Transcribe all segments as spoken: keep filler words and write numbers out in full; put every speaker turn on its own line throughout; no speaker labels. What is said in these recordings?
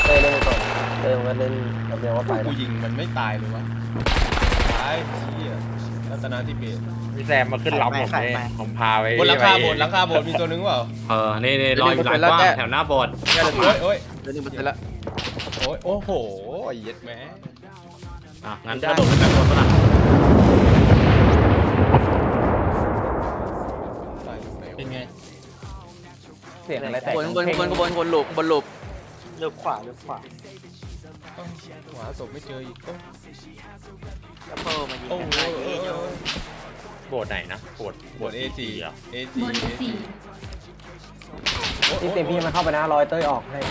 เต้เล่นก่อนเต้มันก็เล่นแบบเดียวว่าไป
กูยิงมันไม่ตายเลยวะตายเหี้ยรัตนาธิเบศ
พี่แซมมาขึ้นล้อมผมเลยผมพาไป
บนหลังคาโบสถ์หลังคาโบสถ์มีตัวนึงเปล่า
เออนี่นี่ลอยอยู่หลังกว้างแถวหน้าโบสถ์
โอ้ยโอ้ย
เดี๋ยวนี้มันเสร็จแล้ว
โอ้ยโอ้โหเย็ดแม่
อ่ะงั้นกระโดดขึ้นไปบนปะล่ะ
เป็นไง
เสียงอะไรแตก
บนบนบนบนบนหลุมบนหลุม
เลือกขวาเลือกขวา
หาศพไม่เจออีก
แล้วเพิ่มมายิง
โอ้
กัน
โห
ได้เยอะ
โบสถ์ไหนนะโบสถ์
บนเอจี
อ่ะ
เอ
บ
จี
นสี่
ที่เต็มพี่มันเข้าไปนะรอยเต้ยออกให้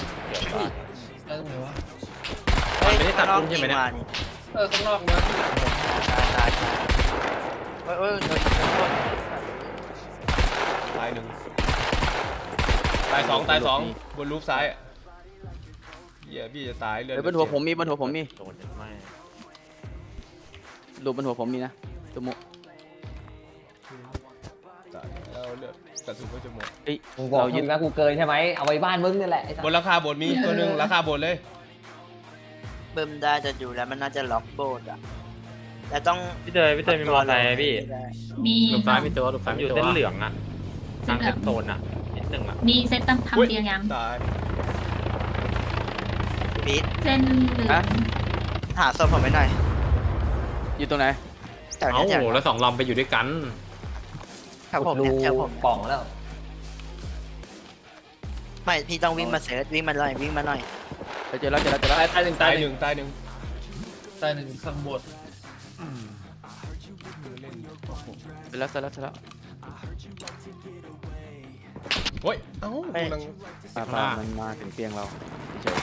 มันไม่ได้ตัดพุ่มใช่ไหมเนี่ย
เออข้างนอกนะ
ตายเฮ้ยเฮ้ย
ตายหนึ่งตายสองตายสองบนรูปซ้ายเหี้ยพี่จะตายเลือด
เฮ้ยบนหัวผมมีบนหัวผมมี
โดนยังไม่
หลุมบนหัวผมมีนะตัวมุ
ตายแล้วเลือดกระสุนก็จะหมด
เฮ้ย
มึงบอกยึดนะกูเกินใช่ไหมเอาไว้บ้านมึงนี่แหละ
บนราคาโบสถ์มีตัวหนึ่งราคาโบสถ์เลย
เบิ่มได้จะอยู่แล้วมันน่าจะล็อกโบดอ่ะแต่ต้อง
พี่เตยพี่เตยมีมอเตอร์ไซค์ไหมพี่
มี
หลุมซ้ายมีตัวหลุม
ผ
ซ้าย
ม
มี
อยู่
ตัว
เส้นเหลืองอ่ะทางเซฟโซนอ่ะนิดนึงอ่ะ
มีเซตตั้งทำเตียงยัง
ตาย
บีท
เส้นเหลือง
หาศพผมไปหน่อย
อยู่ตรงไหน
แถว
เอ้า
เนี้ยแถว
แล้วสองลำไปอยู่ด้วยกัน
แถวผม
ดู
เนี่ยแถวผม
ป่องแล้ว
ไม่พี่ต้องวิ่งมาเสิร์ชวิ่งมาหน่อยวิ่งมาหน่อย
ไปเจอแล้วเจอแล้วเจอแล้ว
ตายตายหนึ่ง
ตา
ตาย ย
ห
ห
นึ่
นึ่
ง
ง
ตายหนึ่ง
ตายหนึ่งข้างบน
เสร็จแล้วเสร็จแล้วเสร็จแล้ว
โอ้ยเอ้ากูกำลัง
ปลาปลามันมาถึงเตียงเราเฉย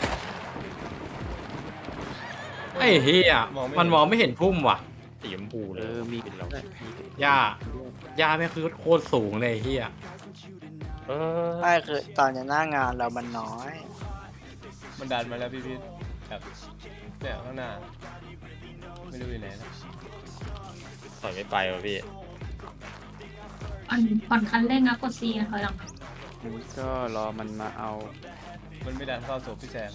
ไอ้เฮียมันมองไม่เห็นพุ่มว่ะ
สีชมพูเล
เอย อมี
เป็นเรา
หญ้าหญ้าไม่งคือโคตรสูงเลยไอ้เฮีย
เออ
ไม่คือตอนเนี้ยหน้างานเรามันน้อย
มันดันมาแล้วพี่พี่แบบเนี่ยข้างหน้าไม่รู้อยู่ไหนนะ
ถอยไม่ไปว่ะพี่
ผ่อนผ่อนคันเร่งนะกดซีนะถอยหลัง
นี่ก็รอมันมาเอา
มันไม่ดันเข้าศพพี่แซม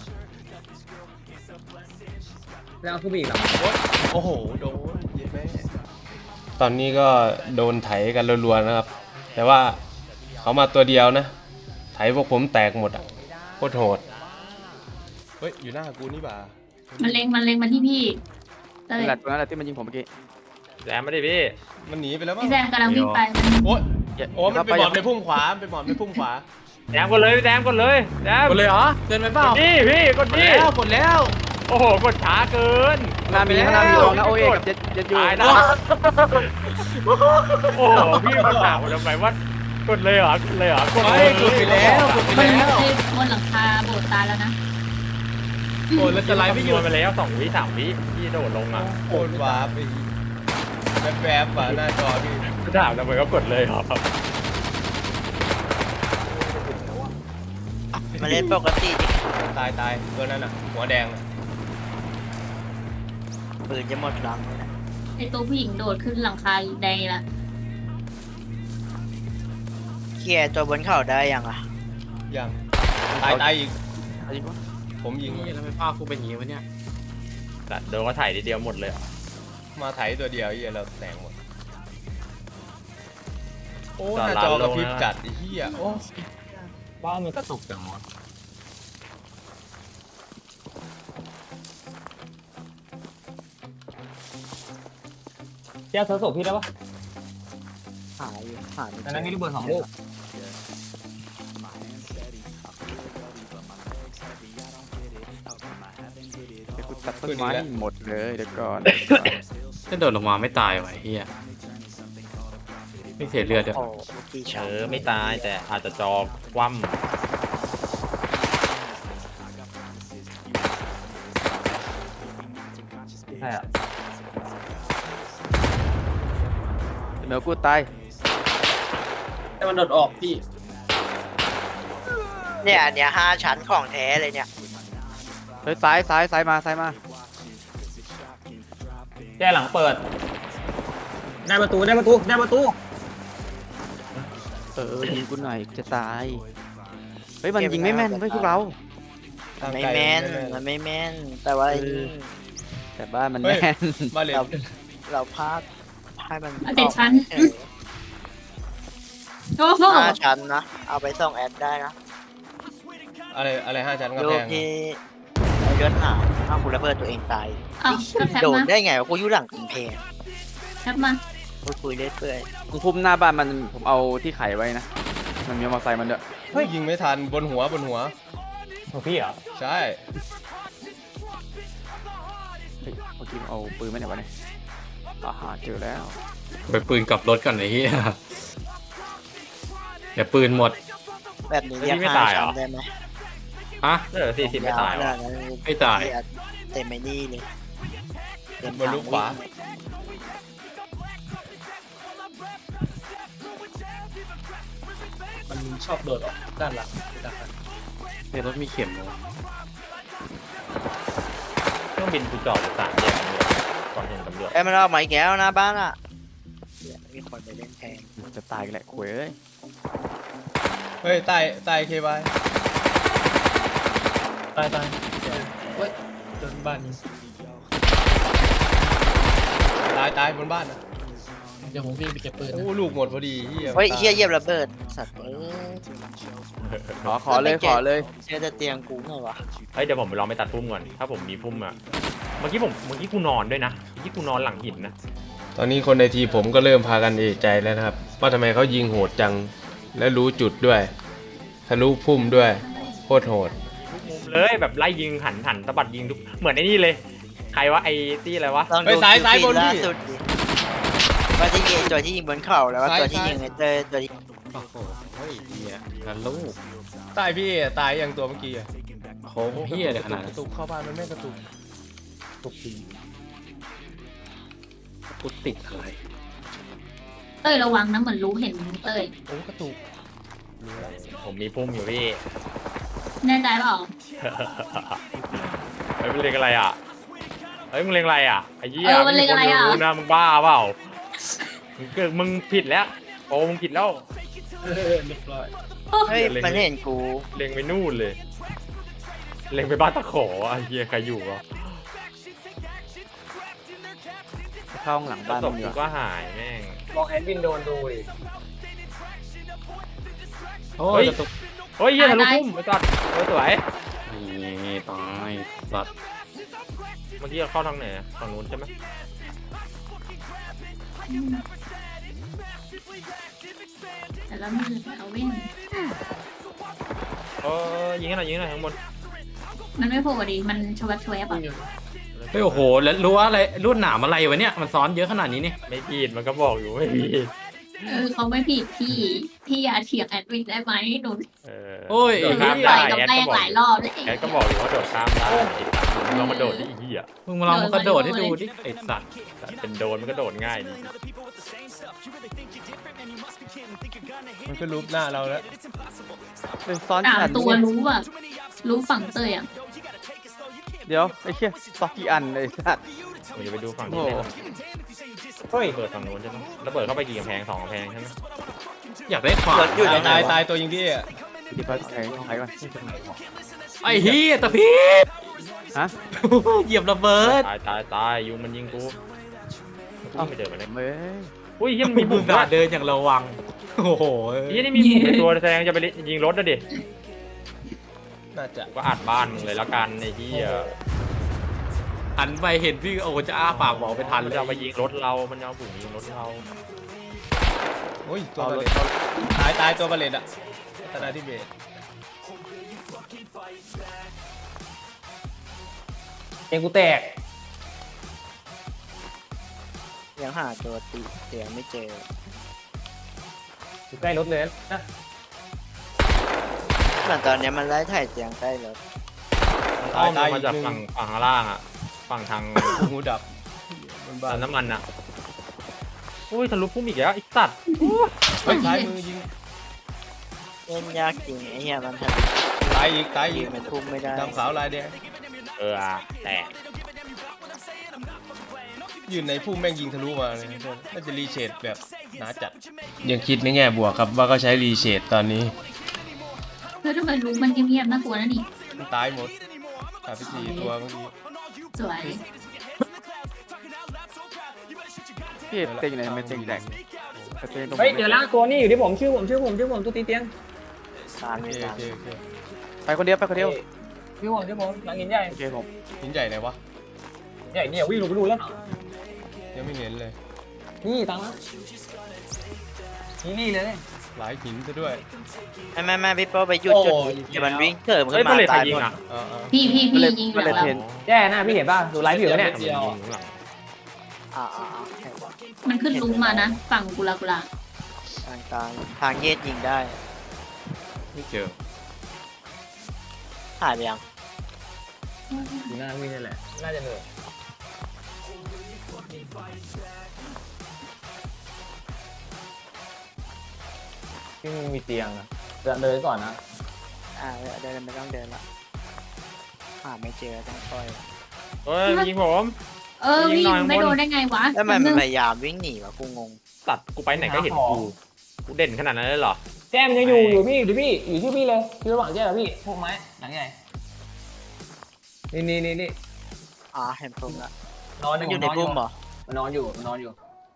แล้วขึ้นไปอีกหรอ
โอ้โหโดนเย็ดแม่ตอนนี้ก็โดนไถกันรัวๆนะครับ แต่ว่าเขามาตัวเดียวนะไถพวกผมแตกหมดอ่ะโคตรโหดเฮ้ยอยู่หน้ากูนี่บ่า
มันเล็งมันเล็งมาที่พี่เต้ย
นั่นแหละตรงนั้นแหละที่มันยิงผมเมื่อกี้
แซมไม่ได้พี่
มันหนีไปแล้วมั้ง
พี่แซมกำลังวิ่งไปมัน
โอ้ย
อย่า
โอ้มันไปหมอบในพุ่มขวาไปหมอบในพุ่มขวา
แซมกดเลยพี่แซมกดเลยแซม
กดเลยเหรอเกินไปเปล่าก
ดดิพี่กด
กด
ดิ
แล้วกดแล้ว
โอ้โหกดช้าเกิน
ข้างหน้ามีข้างหน้ามีลองนะโอเอกับเจ็ดเจ็ดยู
ตายนะโอ้โหพี่มาถามทำไมว่ากดเลยเหรอกดเลยเหรอกด
ไม่
เลย
กดไปแล้วกดไป
มัน
แล้ว
บนหลังคาโบสถ์ตายแล้วนะ
โอ้ยแล้วจะไล่ไม่หยุด
ไปแล้วสองวิสามวิพี่โดดลงอ่ะ
โอนวาร์ปไปแวบๆอ่ะหน้าจอพี่
ถามทำไมก็กดเลยครับ
มาเล่นปกติดิ
ตายตายตัวนั้นอ่ะหัวแดงอะ
ปืนจะหมดลัง
ไอตัวผู้หญิงโดดขึ้นหลังคาแดงละ
เคลียร์ตัวบนเขาได้ยังอ่ะ
ยังตายตายอีก
เอายิงวะ
ผมยิง
นี่แล้วไม่พากูเป็นอย่างงี้วะเนี่ย
แต่โดนก็ถ่ายทีเดียวหมดเลย
มาไถตัวเดียวไอ้เหี้ยเราแตงหมดโอ้หน้าจอกระพริบจัดไอ้เหี้ยโอ้
บ้านมันกระตุกจังวะ
แก้วเธอศพพี่ได้ปะ
หายอยู่หายอยู่
อันนั้นมีลูกเบอร์สองลูก
เดี๋ยวกูตัดต้นไม้ให้หมดเลยเดี๋ยวก่อน
ถ้าโดดลงมาไม่ตายว่ะไอ้เฮียไม่เสียเลือดด้วย
โอ้กี่
เอ
ชั้น
อไม่ตายแต่อาจจะจอคว่
ใช่อ่ะ
เดี๋ยวกูตาย
แต่มันโดดออกพี่
เนี่ยอันเนี้ยห้าชั้นของแท้เลยเนี่ย
เฮ้ยซ้ายซ้ายซ้ายมาซ้ายมา
แก้หลังเปิดได้ประตูได้ประตูได้ประตู
เออยิงกูหน่อยจะตายเฮ้ยมันยิงไม่แม่นเว้ยพวกเรา
ทาง
ไม่
ไกล
แม่น
ไ
มันไม่แม่น แต่ว่าไอ้นี่
แต่บ้านมัน
เฮ้ย
แน่น
บ้านเลน
เราเราพลาดให้มัน
เอาเจ็ดชั้น
เออ
โอ้โห
ห้าชั้นนะ เอาไปส่งแอดได้นะ
อะไรอะไรห้าชั้นกระ
รู
แพ
ป
ง
ที่ไอ้เลือดหนาวอ้าวกูระเบิดตัวเองตาย
เอาก็แคป
โดด
มา
ได้ไงวะกูอยู่หลังกำแพง
แคปมา
กูคุยเรื่อยเปื่อย
ตรงพุ่มหน้าบ้านมันผมเอาที่ไขไว้นะ มันมีมอเตอร์ไซค์มันด้วย
เฮ้ยยิงไม่ทันบนหัวบนหัว
ของพี่เหรอ
ใช่
เฮ้ยเมื่อกี้เอาปืนไม่ไหนวะเนี่ยอาหาเจอแล้ว
ไปปืนกลับรถก่อนไอ้เหี้ยเดี๋ยวปืนหมด
แบบนี้เรียกห้าชั้นได้ไหม
ฮะ
เออสี่สิบไม่ตาย
เว
วะ
ลนั้น
ไม่ตาย
เต็มไม่นี่เลยเต็ม
บนลูกขวา
มันชอบโดดออกด้านหลังด้านหลัง
ในรถมีเข็มเหรอ
เครื่องบินกูจอดอยู่สามแยกตำรวจก่อนเห็นตำรวจ
เอ้ยมันออกมาอีกแล้วหน้าบ้านอ่ะเดี๋ยวมีคนไปเล่นแทง
จะตายกันแหละคุยเอ้ย
เฮ้ยใต้ใต้เคบาย
ตายตายเฮ้ยโดนบ้านนี้
ตายตายบนบ้านนะ
เดี๋ยวผมวิ่งไปเก็บปืน
โอ้
นะ
ลูกหมดพอดีเหี้ย
เฮ้ย
ตา
เฮียเหยียบระเบิด สัตว์เอ้ย
ขอขอเลยขอเลย
เชื่อจะเตียงกูไงวะ
เฮ้ยเดี๋ยวผมไปลองไปตัดพุ่มก่อน ถ้าผมมีพุ่มอะเมื่อกี้ผมเมื่อกี้กูนอนด้วยนะ เมื่อกี้กูนอนหลังหินนะ
ตอนนี้คนในทีมผมก็เริ่มพากันเอะใจแล้วนะครับว่าทำไมเขายิงโหดจัง และรู้จุดด้วยทะลุพุ่มด้วยโคตรโหด
มุมเลยแบบไล่ยิงหันหันสะบัดยิงทุก เหมือนไอ้นี่เลย ใครวะไอ้ตี้อะไรวะ
ลอง
เฮ้
ดู
ยซ้ายซ้ายบน
ล่า
พี่
สุดดิว่าที่ยิงตัวที่ยิงบนเข่าแล้วก็
ซ้าย
ตัวที่
ซ้าย
ยิงไอ้เตยตัวที่
โอ้โหเฮ้ยเหี้ยกันลูก
ใต้พี่เอตายอย่างตัวเมื่อกี้อะ
โค้งเหี้ยเลยขนาด
ก
นั้
ระ
น
ตุกเข้าบ้านมันไม่กระตุก
ตกปี
กูติดอะไร
เต้ยระวังนะเหมือนรู้เห็นเต้ย
โอ้กระตุก
ผมมีพุ่มอยู่พี่
แน่ใจเปล่า
เฮ้ยมึงเล็งอะไรอ่ะ เฮ้ยมึงเล็งอะไรอ่ะ ไอ้เหี้ย
เออมันเล็งอะไรอ่ะ
ม่มีคนรู้นะมึงบ้าเปล่า มึงเกิดมึงผิดแล้วโอ้มึงผิดแล้ว
เออเรียบร้อย
เฮ้ย
เล็ง
มันเห็นกู
เล็งไปนู่นเลย เล็งไปบ้านตะขอไอ้เหี้ยใครอยู่วะ
เข้าห้องหลัง
แล้ว
บ้าน
ศ
มั
พ
นดี
กู
ก
ก็
ว่า
หายแม่ง
ลองแอดวินโดนดูดิ
โอ้
เฮ้
ย
ย
กระตุก
เฮ้ยเหี้ยทะลุพุ่มไปก่อนเฮ้ยสวย
นี่ตายสัตว์
เมื่อกี้เราเข้าทางไหนอะทางนู้นใช่ไหม
แต่ละมือเอาเว้น
เออยิงให้หน่อยยิงให้หน่อยข้างบน
มันไม่โผล่ดิมันชวัดชวยป่ะ
เฮ้ยโอ้โหแล้วรู้ว่าอะไรรุ่นหนามอะไรวะเนี่ยมันซ้อนเยอะขนาดนี้นี่
ไม่ผิดมันก็บอกอยู่ไม่ผิด
เออเขาไม่ผิดพี่พี่อย่าเถียงแอดวินได้ไหมหนู
เออ
โอ้ย
โดด
หนู
ข้าม
ต่
ได้
อยกับ
แอด
แป้
ก็
ง
บอก
หลายรอบแล้ว
แอดก็บอกอยู่ว่าโดดข้ามได้ลองมาโดดดิอีเหี้ย
มึงมาลองมากระโดดให้ดูดิไอ้สัตว์
แต่เป็นโดนมันก็โดดง่ายดี
มันก็รูปหน้าเราแล้ว
เป็นซ้อน
สาม
กัน
ตัวรู้อ่ะรู้ฝั่งเต้ยอ่ะ
เดี๋ยวไอ้เชี่ยซอกกี่อันเลยสัตว์
ผมจะไปดูฝั่ง
โอ้
นี้
โห
เลยเฮ้ยเปิดฝั่งนู้นใช่ไหมแล้วเปิดเข้าไปกี่กำแพงสองกำแพงใช่ไหม
อยากได้ขวาน
รถอยู่
ตาย
ไหน
ตายว
ะ
ตายตัวยิงพี่อะ
ที่พักไขไขก่อน
ไอ้เฮียตะพี
ฮะ
เหยียบระเบิด
ตายตายตายยุงมันยิงกูกูไม่เจอมันเลย
เว้ย
อุ้ยเฮียมัน
มี
มี
บุ
บุ
ญ
ญ
กา
ด้วย
เดินอย่างระวังโอ้โห
เฮียนี่มีบุญในตัวแสดงจะไปยิงรถนะดิ
น่าจะ
ก็อัดบ้านมึงเลยแล้วกันไอ้เฮีย
หันไปเห็นพี่โอ้จะอ้าปากบอกไปทัน
มัน
เล
จะ
ย
เอามายิงรถเรามันจะเอาบุญยิงรถเรา
โอ้ยตัวบาเลตตายตายตัวบาเลตอะธนาธิเบศ
เองกูแตก
ยังหาตัวตีเสียงไม่เจอ
อยู่ใกล้รถเลยนะ
เหมือนตอนเนี้ยมันไล่ถ่ายเสียงใกล้รถ
อ้อมล
ตาย
ง
อี
มาก จาก
หนึ่ง
ฝั่งฝั่งข้างล่างอ่ะฝั่งทาง
หูดับ บนบ้า
ปั๊
น
มน้ำมันอ่ะอุ้ยทะลุพุ่มอีกแล้วไอ้สัตว์
เฮ้ยซ้ายมือยิง
เล่นยากจริงไอ้เหี้ยมันท
ตายอีกตาย
ำ
อี
ยิ
ก
งมันทุ่มไม่ได้
ดำขาวลายแดง
เอออะแตก
ยืนในพุ่มแม่งยิงทะลุมาเลยน่าจะรีเชดแบบหนาจัด ยังคิดในแง่บวกครับว่าก็ใช้รีเชดตอนนี้
แล้วทำไมรู้มันเงียบๆน่ากลัวนะนี่
มันตายหมดขาดไปสี่ตัวเมื่อกี้
สวย
พี่เต็งอยู่ไหนทำไมเต็งแดกแต่เต็งตรง
เฮ้ยเดี๋ยวแล้วตัวนี้อยู่ที่ผมชื่อผมชื่อผมชื่อผมตัวตีเตียง
ตาม
โอ
ไม่
เค
ตา
โอ
ม
เคโอเค
ไปคนเดียวไปคนเดียว
ชื่อผมชื่อผมหลังหินใหญ่
โอเคผม
หินใหญ่ไหนวะ
ใหญ่เนี่ยวิ่งลงไปดูแล้ว
ยังไม่เห็นเลย
นี่ตังค์นี่นี่เลย
หลายหินซะด้วย
ไม่ไม่ไม่พี่โป้ไปหยุดจุดเดี๋ยวมันวิ่งเถิม
เฮ้
ขึ้
ย
น
เป
มา
ลทใคร
ตาย
ยิ
ห
ง
มด
อ่ะ
เออเออ
พี่พี่พี่ยิงอ
ก็
ยู่
เลย
แล้ว
เทน
แย่นะพี่เห็นป่ะดูไลฟ์อยู่เนี่ย
อ่าอ่าอ่า
มันขึ้นลุงมานะ ฝั่งกุลากุลา
ทางกลางทางเยดยิงได้
ไม่เจอ
หายไปยัง
อยู่หน้าวิ่งนี่แหละน่าจะเหนื่อยที่มึงมีเตียงอะเดินเลยก่อนนะ
อ่าเดินไม่ต้องเดินละหาไม่เจอต้องค่อย
เฮ้ยยิงผม
เออวิ่งไม่โดนได้ไงวะ
แล้วมัน
นึง
พยายามวิ่งหนีวะกูงง
ตัดกูไปไหนก็เห็นกูกูเด่นขนาดนั้นเลยเหรอ
แจ้มยังอยู่อยู่พี่อยู่พี่อยู่ที่พี่เลยอยู่ระหว่างแจ้มกับพี่พวกไม้หลังใหญ่นี่นี่นี่นี่
อ่าเห็นผมละ
นอน
มันอยู่ในบุ้มเหรอ
มันนอนอยู่มันนอนอยู่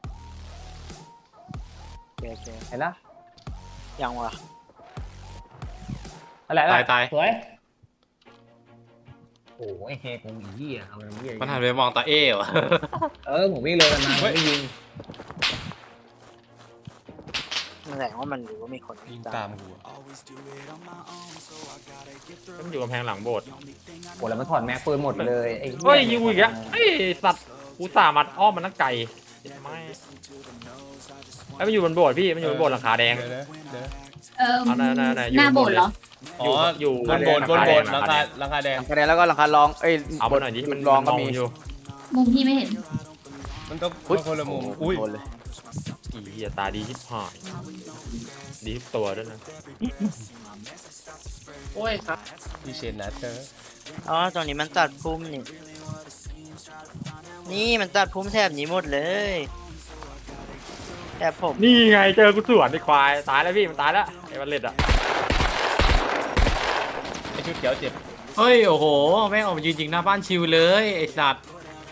โอเคโอเค
เห็นละ
ยังวะ
อะไร
ตายตาย
สวยโอ้ไอ้เฮกูอีเหี้ยเอามันเหี้ย
มันหันไปมองตาเอ๋วะ
เออผมวิ่งเลยกันมาไม่ยิง
มันแสดงว่ามันรู้ว่ามีคน
ยิงตามกูอะ
มันอยู่กำแพงหลังโบสถ์
โอ้แล้วมันถอดแม็กปืนหมดเลยไอ้
เฮ้ยยิงกูอีกอ่ะเฮ้ยสัตว์กูสามัดอ้อมมันนั่งไก่ไม่ไอ้มันอยู่บนโบสถ์พี่มันอยู่บนโบสถ์หลังคาแดง
เดี๋ยวนะเดี๋ยวนะ
เออ
เอาน่ะน่ะน่ะอยู่
หน้าโบสถ์เหรอ
อ๋อ
อยู่
บนโบนบนโบนห
หลั
ลัง
ง
คา
คา
หลังคาแดง
หลังคาแดงแล้วก็หลังคารองเอ้ย
เอามาหน่อยดิมัน
รองก็
ม
มี
อยู่
มุมพี่ไม่เห็น
มันต้องมันคนละมุมอุ้ย
โดนเลย
อีเหี้ยตาดีชิบหายดีทุกตัวด้วยนะ
โอ้ยครับ
พี่เชนนะเธอ
อ๋อตรงนี้มันตัดพุ่มนี่นี่มันตัดพุ่มแถบนี้หมดเลยแถบผม
นี่ไงเจอกูสวนไอ้ควายตายแล้วพี่มันตายแล้วไอ้บัลเลตอ่ะ
ไอชุดเขียวเจ็บ
เฮ้ยโอ้โหแม่งออกมายืนยิงหน้าบ้านชิวเลยไอ้สัตว์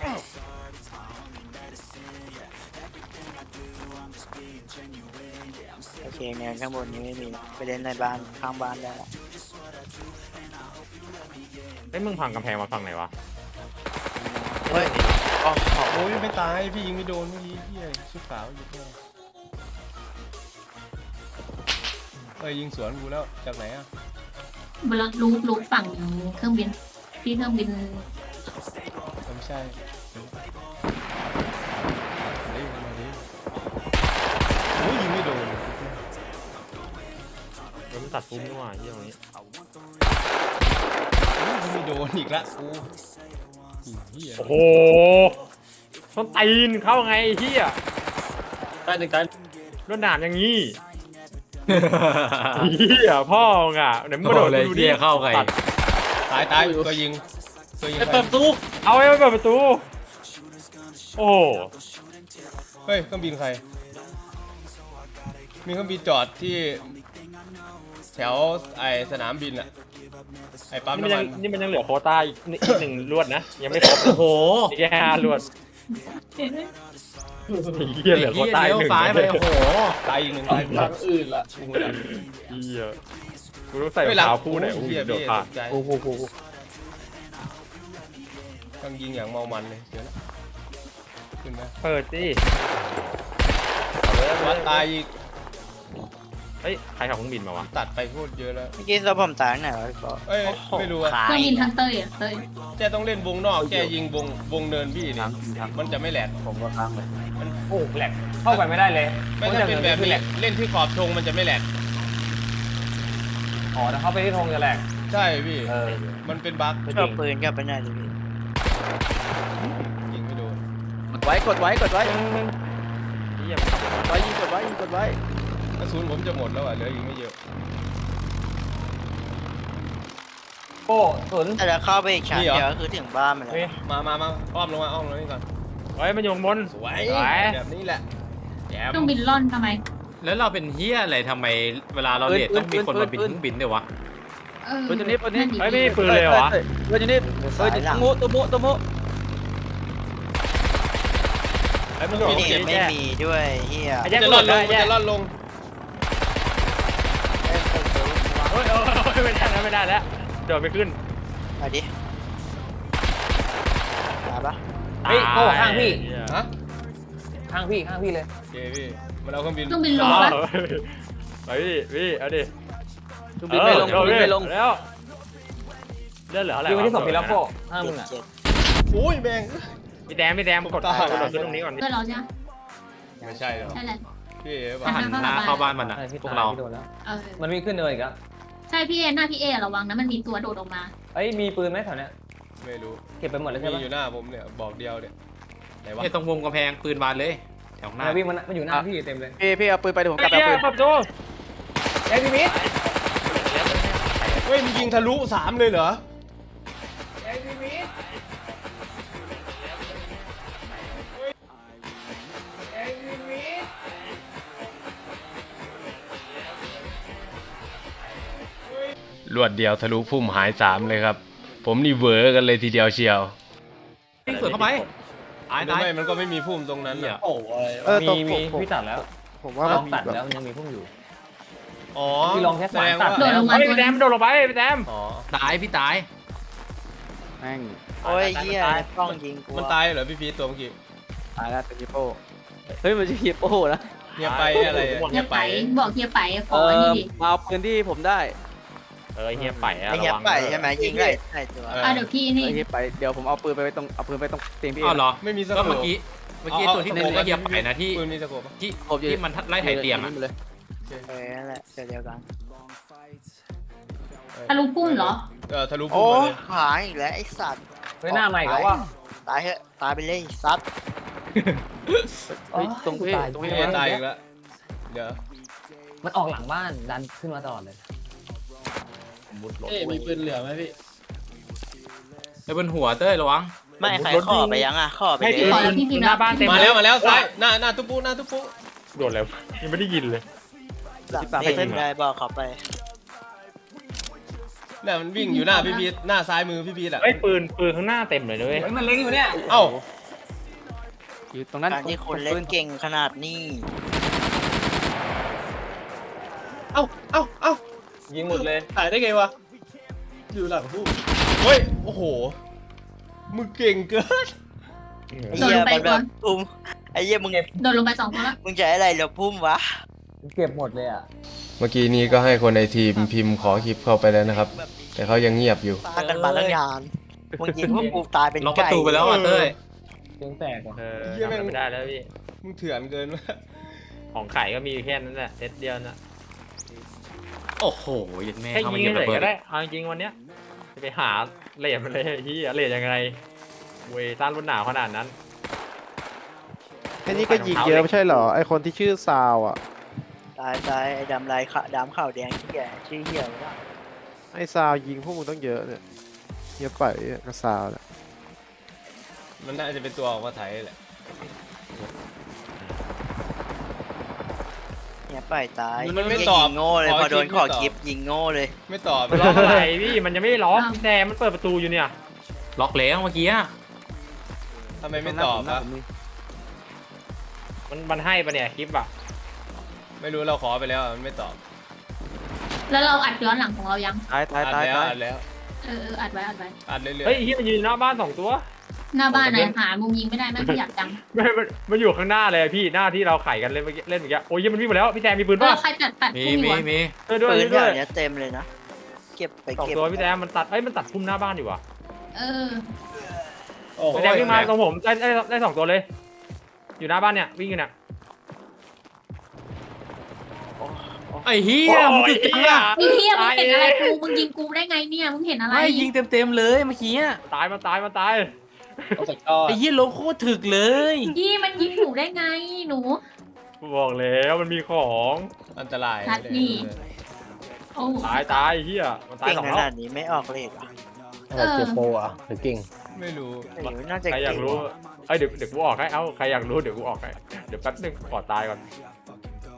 โอเคเนินข้างบนนี้ไม่มีไปเล่นในบ้านข้างบ้านได้ละ
ไอ้ยมึงพังกำแพงมาฝั่งไหนวะ
เฮ้ยอ๋อขอ
โอ้ยไม่ตายพี่ยิงไม่โดนเมื่อกี้พี่ชุดขาวอยู่ข้างในเอ้ยยิงสวนกูแล้วจากไหนอ่ะ
บนรูปรูปฝั่งเครื่องบินที่เครื่องบิน
ไม่ใช่เฮ้ยมาดิโอ้ยยิงไม่โดน
เดี๋ยวมันตัดพุ่มด้วยว่ะเหี้ยตรงนี้
โอ้ยยิงไม่โดนอีกละกูเหี้ย
โอ้โหต้นตีนเข้าไงไอ้เหี้ย
ใต้ตึกใต้
รวดหนามอย่างงี้เหี้ยพ่อมึงอ่ะเดี๋ยวมึง
โอ้
กระโด
โห
ด
เลย
ดูดิ
เหี้ยเข้าไง
ตัด
ตายตายตัวยิงตัวยิง
ไอ้เปิดประตู
เอาไว้เปิดประตูโอ้โห
เฮ้ยเครื่องบินใครมีเครื่องบินจอดที่แถวไอสนามบินอะไอปั๊ม
นี่มัน
น้ำ
ยั
มั
ง
น
นี่มันยังเหลือโควต้าอีกนิดอีกหนึ่งลวดนะยังไม่ครบ
โอ้โห
อีกแค่ห้าลวดเหี้ยเหลือโควต้า
เลี้
อี
ยว
กหนึ่ง
ซ้ายไปโอ้โห
ตายอีกหนึ่งตายทางอื่นละ
เหี้ยกูต้องใส่รองเท้าคู่ไหน
โอ้
อู้
ยเหี้ย
เดี๋ยว
พี่
ขาด
ตกใจ
โอ้โหโอ้โห
ต้องยิงอย่างเมามันเลยเดี๋ยวนะขึ้นไหม
เปิดสิ
วัดตายอีก
เฮ้ยใครขับเครื่องบินมาวะ
ตัดไปโคตรเยอะแล้ว
เมื่อกี้เราผมตายไหนวะพี่ปอ
เอ้ยไม่รู้อะ
เครื่องบินทางเต้ยอ่ะเต้ย
แกต้องเล่นวงนอกแกยิงวงวงเนินพี่นี่มันจะไม่แหลก
ผมก็ค้างเลย
โอ้แหลกเข้าไปไม่ได้เลย
ไม่ถ้าเป็นแบบนี้
แหลก
เล่นที่ขอบธงมันจะไม่แหลก
อ๋อถ้าเข้าไปที่ธงจะแหลก
ใช่พี่
เออ
มันเป็นบั๊ก
ชอบปืนกลับไปไหนดิพี่
ยิงไม่โดน
กดไว้กดไว้กดไว้
เหี้ยมันขับรถ
กดไว้ยิงกดไว้ยิงกดไว้
กระสุนผมจะหมดแล้วอ่ะเหลืออีกไม่เยอะ
โอ้ตุน
แต่จะเข้าไปอีกชั้นเดียวก็คือถึงบ้านมันแล้ว
นี่
มามามาอ้อมลงมาอ้อมลงนี่ก่อน
เฮ้ยมันอยู่ข้างบน
สวย
สวย
แบบนี้แหละแจม
เครื่องบินล่อนทำไม
แล้วเราเป็นเฮียอะไรทำไมเวลาเราเดทต้องมีคนมาบินเครื่องบินด้วยวะ
เออ
ปืนตัวนี้ปืนนี้
เฮ้ยไม่มีปืนเลยเหรอวะ
ปืนตัวนี้เฮ้ยตัวมุตัวมุตัวมุ
ไอ้มึงโดด
นี่
เก็บ
ไม่
แย่
มีด้วยเฮีย
ไอ้
มัน
แย่
จะ
มึง
ล่
โด
อน
ด
ล
ได้
งมัน
แย่
จะล่อนลง
โอ้ยโอ้ยไม่ได้แล้วไม่ได้แล้วโดดไม่ขึ้น
มาดิมาปะ
เฮ้ยโอ้ข้างพี่
ฮะ
ข้างพี่ข้างพี่เลย
โอเคพี่มันเอาเครื่องบิน
เครื่องบินล
อ๋
ง
อ
ปะ
ไปพี่พี่เอาดิ
เครื่องบินไม่ลงเครื่องบินไม่ลง
แล้วเลือดเหลืออะไร
ยิงไปที่ศพพี่แล้วโก้
วะ
ข้างมึงอ่ะ
เจ็ด
อุ้ยแม่ง
พี่แดมพี่แดมกด
ตาย
กดโดดขึ้นตรงนี้ก่อนดิ
เพื่อนเราใช่ไหม
ไม่ใช่หรอ
ใช่แหละ
พี่เอ๋
หั
ป่ะ
น
หันหน้าเข้าบ้านมันอ่ะ
ใช่พี่
พวก
ตาย
เรา
พี่โดนแล้ว
เออ
มันมีขึ้นเนินอีกแล้ว
ใช่พี่เอหน้าพี่เอระวังนะมันมีตัวโดดออกมา
เอ้ยมีปืนไหมแถวเนี้ย
ไม่รู้
เก็บไปหมดแล้ว
มี
ใช่ปะ
อยู่หน้าผมเนี่ยบอกเดียวเนี่ยไหนวะ
เนี่ยตรงวงกำแพงปืนบานเลยแถวหน้า
เนี่ยวิ่งมันมันอยู่หน้าพี่เต็มเลย
พี่พี่เอาปืนไปเดี๋ยวผมกลับไป
ไอ้
เอา
เหี้
ปื
ย
น
ปรับตัว
เอ้ยพี่มิด
เฮ้ยมันยิงทะลุสามเลยเหรอ
เอ้ยพี่มิดเอ้ยพี่มิด
รวดเดียวทะลุพุ่มหายสามเลยครับ ผมนี่เวอร์กันเลยทีเดียวเชียว
วิ่งสวนเข้าไปตาย
หรือ
ตาย
ไม่มันก็ไม่มีพุ่มตรงนั้น
เหี้
อ่ะ
ย
เออต
มี
ก
มี
ผม
พี่ตัดแล้ว
ผมว่า
ล
มั
อน ง
มี
ตัด
แบบ
แล้วยังมีพุ่งอยู่
อ๋อ
พี่ลองแค่
แส
สาย
ดง
ตัด
ว่า
โดดลงมา
เฮ้ยพี่แดมโดดลงไปพี่แดม
อ๋อ
ตายพี่ตาย
แม่ง
โอ้ยเฮียกล้องยิงกู
มันตายเหรอพี่พีทตัวเมื่อกี้
ตายแล้วเป็นฮิปโป้เฮ้ยมันจะฮิปโป้นะ
เงียบไปอะไรอะ
เฮี
เงี
ย
ยบ
ไป
ไป
บอกเฮียไปข
เอ
ออัน
อ
นี้ดิ
มาเอาปืนที่ผมได้
เออเฮียไปอะ
ไอ้
ระ
เฮีย
วัง
ไปใช่ไหมยิงได้ได้ตัว
เออ
อ่ะเดี๋ยวพี่นี่
ไอ้ฮิปไปเดี๋ยวผมเอาปืนไปไว้ตรงเอาปืนไปตรงเตียงพี่
อ้าวเหรอ
ไม่มีส
ก็
โคป
เมื่อกี้เมื่อกี้ตัวที่
า
ผมก็เหยียบไปนะที่
ปืนมีสโคปปะ
ที่
ผมอยู่
ที่มันไล่ไถ่เตียงอ่ะ
เลย
เออนั่นแหละเดียวกัน
ทะลุพุ่มเหรอ
เออทะลุพุ่
โอ้
มมาเลย
หายอีกแล้วไอ้สัตว์
เฮ้ยหน้าใหม่ก็ว่า
ตายเหอะตายไปเลยซัด
เฮ้ยตรงพี่ตรง
พี่
พี่
เอตายอีกแล้วเดี๋ยว
มันออกหลังบ้านดันขึ้นมาตลอดเลย
เอ๊ะมีปืนเหลือไหมพี่
ไอ้บนหัวเต้ยระวัง
ไม่ใครขอไปยังอ่ะขอไป
ให้
เล
พี่
ย
ขอแล้วพี่พิมพ์
หน้าบ้านเต็ม
มาแล้วมาแล้วซ้ายหน้าหน้าตุ๊ปุหน้าตุ๊ปุ
โดดแล้วยังไม่ได้ยินเลย
หลังเต้นได้บอกเขาไป
เนี่ยมันวิ่งอยู่หน้าพี่พีทหน้าซ้ายมือพี่พีทอ่ะ
ไอ้ยปืนปืนข้างหน้าเต็มเลยด้วย
เฮ้ยมันเล็งอยู่เนี่ย
เอ้า
อยู่ตรงนั้น
การที่คนเล่นเก่งขนาดนี้
เอ้าเอ้าเอ้า
ยิงหมดเลย
ถ่ายได้ไงวะ อยู่หลังผู้
เฮ้ยโอ้โหมึงเก่งเกิน
ไอ้เหี้ยมันแบบพุ่มไอ้เหี้ยมึง
โดดลงไปสองตัวแล้ว
มึงจะอะไรเหรอพุ่มวะ
เก็บหมดเลยอ่ะ
เมื่อกี้นี้ก็ให้คนในทีมพิมพ์ขอคลิปเข้าไปแล้วนะครับ แต่เขายังเงียบอยู่
ฟาดกันมาตั้งนานมึงยิงพวกกูตายเป็น
ล็อกประ
ไก่
ตูไปแล้วอ่ะเต้ย
เสียงแตกว่ะ
เออ
เหี้ยแม่ง
ทำไม่ได้แล้วพี่
มึงเถื่อนเกินวะ
ของไข่ก็มีแค่นั้นแหละเซตเดียวน่ะ
โอ้โหยันแม่
แค่
เข้ามา
ยิง
เหยียบ
เล
ระ
ย
เบิด
ก็ได้เอาจริงๆวันเนี้ยจะไปหาเหรียญมาเลยที่เหรียญยังไงเวยต้านรุ่นหนาวขนาดนั้น
แค่นี้ก็ยิงเยอะไม่ใช่เหรอ ไอคนที่ชื่อซาวอ่ะ
ตายตายไอ้ดำลายขะดำข่าวแดงที่แก่ชื่อเหี้ยวะ
ไอซาวยิงพวกมึงต้องเยอะเนี่ยเยอะไปกับซาวเนี่ย
มันน่าจะเป็นตัวออกมาไถแหละ
เนี่ยไปตาย
มันไม่
เหี้ย
ตอบ
ยิงโง่เลย
ขอ
พอโดน
คลิป
ขอ
ไม่ตอบ
คลิปยิงโง่เลย
ไม่ตอบ
ล็อกอะไรพี่มันยังไม่ได้ล็อกแต่มันเปิดประตูอยู่เนี่ย
ล็อกแล้วเมื่อกี้อะ
ทำไมไม่ตอบ
หน้า
อะ
ผมมี
มันมันให้ปะเนี่ยคลิปอะ
ไม่รู้เราขอไปแล้วอะมันไม่ตอบ
แล้วเราอัดย้อนหลังของเรายัง
ตายตาย
อัด
ตาย
แล้ว
ตาย
อัดแล้ว
เออเอออัดไว้อัดไว้
อัดเรื่อย
เฮ้ยเฮียมันยืนหน้าบ้านสองตัว
หน้าบ้านไหนหามุมยิงไม่ได้แม่งขยับจัง
ไม่มันมันอยู่ข้างหน้าเลยอะพี่หน้าที่เราไข่กันเล่นเมื่อกี้เล่นเมื่อกี้โอ้ยเหี้ยมันวิ่งมาแล้วพี่แซมมีปืน
เอ
ป่ะ
อใครตัดตัด
มี
พุ่มอยู่
มี
วะ
มี
ช่วยด้วย
ปืน
ช่วย
แถ
ด้วย
วเนี้ยเต็มเลยนะ เก็บไป
สอง
เก็บ
ตัวพี่แซมมันตัดเอ้ยมันตัดพุ่มหน้าบ้านอยู่ว่ะ
เออ
โอ้
พี่แซมวิ่งมาตรงผมได้ได้ได้สองตัวเลย อยู่หน้าบ้านเนี่ยวิ่งอยู่เนี่ย
ไอ้เฮียมึงจุดจังอะ
ไอ้เฮียมึงเห็นอะไรกูมึงยิงกูได้ไงเนี่ยมึงเห็นอะไร
ไม่ยิงเต็มเต็มๆเลยเมื่อกี้อะ
ตายมาตายมาตาย
เอาสักจอ
ไอ้เฮียลงโคตรถึกเลย
พี่มันยิงหนูได้ไงหนู
บอกแล้วมันมีของ
ๆ อันตราย
นัดนี่ โอ้
ตายตายเฮียมันตาย
เก่ง
สอง
ข
รอ
นา
บ
ดนี้ไม่ออกเลทหรอ
เออ
เจ็บโปอ่ะหรือเก่ง
ไม่รู้
ไม่รู้น่าจะ
ใครอยาก
เก่ง
รู้เอ้ยเดี๋ยวเดี๋ยวกูออกให้เอ้าใครอยากรู้เดี๋ยวกูออกให้เดี๋ยวแป๊บนึงขอตายก่อน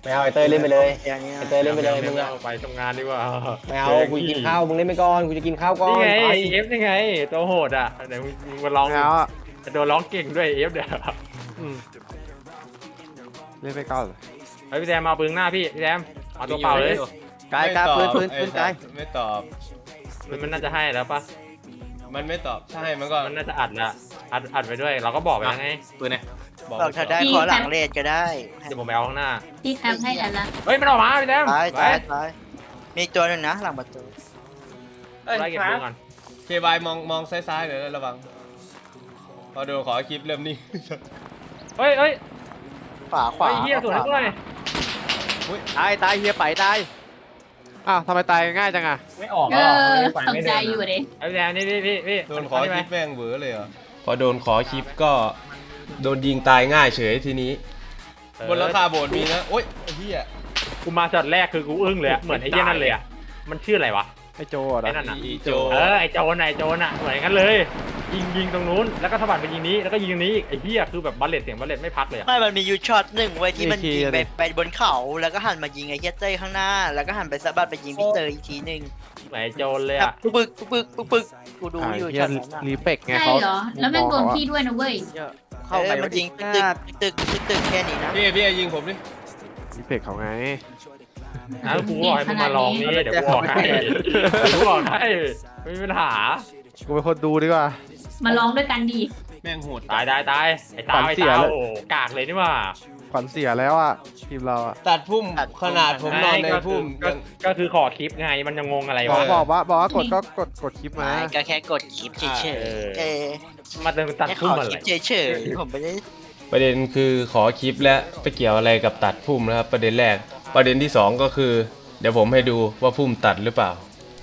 ไม่เอาไอเตยเล่นไปเลย
อย่างเงี้ย
ไอเตยเล่นไปเลยมึงอะ
ไปทำงานดีกว่า
ไม่เอากูจะกินข้าวมึงเล่นไปก่อนกูจะกินข้าวก่อน
นี่ไง
ไป
เอฟนี่ไงตัวโหดอ่ะไหนมึงมึงมาลอง
แล้วอ่ะ
โดนร้องเก่งด้วยเอฟเดี๋ยว
อืมเล่นไปก่อนเลย
เฮ้ยพี่แซมเอาปืนหน้าพี่พี่แซมเอาตัวเปล่าเลย
กายกายพื้นพื้นพื้นกาย
ไม่ตอบ
มันมันน่าจะให้แล้วปะ
มันไม่ตอบใช่มันก็
มันน่าจะอัดละอัดอัดไปด้วย เราก็บอกไปแล้วไง
ปืนเนี่ย
บอก
บอกถ้าได้ขอหลังเลดก็ได้
เดี๋ยวผมไปเอาข้างหน้า
ที่แคปให้แอนละ
เฮ้ยมันออกมาพี่แซม
ตาย
ไป
ตายตายมีตัวหนึ่งนะหลังประตู
เอ้ย
ไล่เก็บ
ค
ปื
รับ
นก่อน
เคบายมองมองซ้ายๆหน่อยนะระวังพอโดนขอคลิปเริ่มนิ่ง
เฮ้ยเฮ้ย
ขวาขวา
ไอ้เหี้ยสวนให้ด้วย
ตายตายเฮียไปตายอ้าวทำไมตายง่ายจังอ่ะ
ไม่ออก
เอ
แล้ว
อ
ไฟ
สน
ไม่
ใจ
เดิน
อยู่เด้
ไอ้พี่แซมนี่พี่พี่พี่
โดนขอ
เา
ค
ไหม
ลิปแม่งเวอเลยเหรอพอโดนขอคลิปก็โดนยิงตายง่ายเฉยทีนี้ บนหลังคาโบสถ์มีนะโอ๊ยไอ้เหี้ย
กูมาช็อตแรกคือกูอึ้งเลยอะเหมือนไอ้เหี้ยนั่นเลยอะมันชื่ออะไรวะ
ไอโจอ่ะ
ไอ้นั่นน่ะ
อีโจ
เออไอ้โจรน่ะไอ้โจรน่ะเหมือนกันเลย ยิงยิงตรงนู้นแล้วก็สะบัดไปยิงนี้แล้วก็ยิงตรงนี้อีกไอ้เหี้ยคือแบบบัลเลตเสียงบัลเลตไม่พักเลยอะ
ไม่มันมียูช็อตหนึ่งไว้ยที่มันยิงไปไปบนเขาแล้วก็หันมายิงไอ้เฮียเต้ยข้างหน้า แล้วก็หันไปสะบัดไปยิงพี่เตยอีกทีหนึ่ง
เหมือนไอ้โจรเลย
แบบ
อะ
ปึ๊กปึ๊กปึ๊กปึ๊กกูดูอยู่
เฮี
ช็
ย
อตนั้นอะ
รีเฟกไง
ใช่
เขา
เหรอ แล้วแม่งโดนพี่ด้วยนะเว้ย
เออมันยิงตึกตึกตึกตึกแค่นี้นะ
พี่พี่ยิงผมดิ
รีเฟกเขาไง
นะกูบอกให้มึงมาลองนี่เดี๋ยวกูบอกให้กูบอกให้ไม่มีปัญหา
กูเป็นคนดูดีกว่า
มาลองด้วยกันดี
แม่งโหด
ตายตายตายไอ้ตา
ขวัญ
ไอ้
เสีย
ตา
เลย
โอ้กากเลยนี่หว่า
ขวัญเสียแล้วอ่ะทีมเราอ่ะ
ตัดพุ่มขนาดผมนอนใน
ก็คื
พุ่ม
ก็
ยัง
ก็คือขอคลิปไงมันยังงงอะไร
บอก
วะ
บอกว่าบอกว่ากดก็กดกดคลิปมา
ไม่ก็แค่กดคลิปเฉย
เออ
ๆเออ
มาเดินตัด
แค่ข
พุ่ม
อ
อะ
ค
ไร
ลิปเฉยๆผมไม่ได้
ประเด็นคือขอคลิปและไปเกี่ยวอะไรกับตัดพุ่มนะครับ ประเด็นแรก ประเด็นที่สองก็คือ เดี๋ยวผมให้ดูว่าพุ่มตัดหรือเปล่า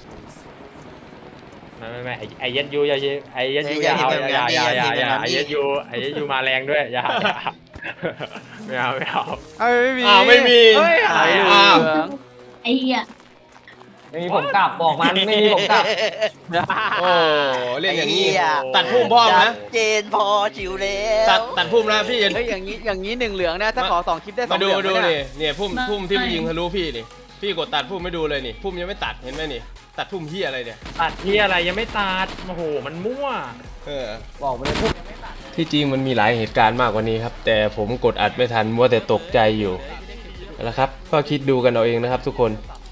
ไม่ไม่ไม่ไอ้ไอ้ยัดยูอย่าไอ้ยัดยูอย่าเอาอย่าอย่าอย่าอย่าไอ้ยัดยูไอ้ยัดยูมาแรงด้วยอย่าอย่าไม่เอาไม่เอา
เอ้ยไม่มี
อ้าวไม่มี
เฮ้ยอะไร
อ้าว
ไอ้เหี้ย
ไม่มีผมกลับบอกมันไม่มีผมกลับ
โอ้เล่นอย่างนี้
ไเหี้
ตัดพุ่มพ่อม
ชั
นะ
ดเจนพอจิวแล้ว
ตัดตัดพุ่มนะพี่เย็น
เฮ้ยอย่างนี้อย่างนี้หนึ่งเหลืองนะถ้าขอสองคลิปได้สอ
มาง
เห
ดู
ลือง
ดู
ไหม
นี่
เนี่ย
เนี่ยพุ่มพุ่มที่มันยิงทะลุพี่นี่พี่กดตัดพุ่มไม่ดูเลยนี่พุ่มยังไม่ตัดเห็นไหมนี่ ตัดพุ่มเฮียอะไรเนี่ย
ตัดที่อะไรยังไม่ตัดโอ้โหมันมั่ว
เออ
บอกไปเลยพุ่ม
ที่จริงมันมีหลายเหตุการณ์มากกว่านี้ครับ แต่ผมกดอัดไม่ทันมัวแต่ตกใจอยู่แล้วครับ ก็คิดดูกันเอาเองนะครับทุกคน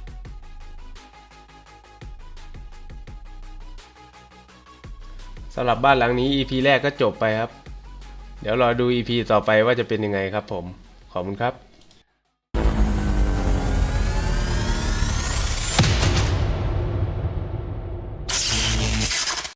สำหรับบ้านหลังนี้ อี พี แรกก็จบไปครับ เดี๋ยวรอดู อี พี ต่อไปว่าจะเป็นยังไงครับผมขอบคุณครับ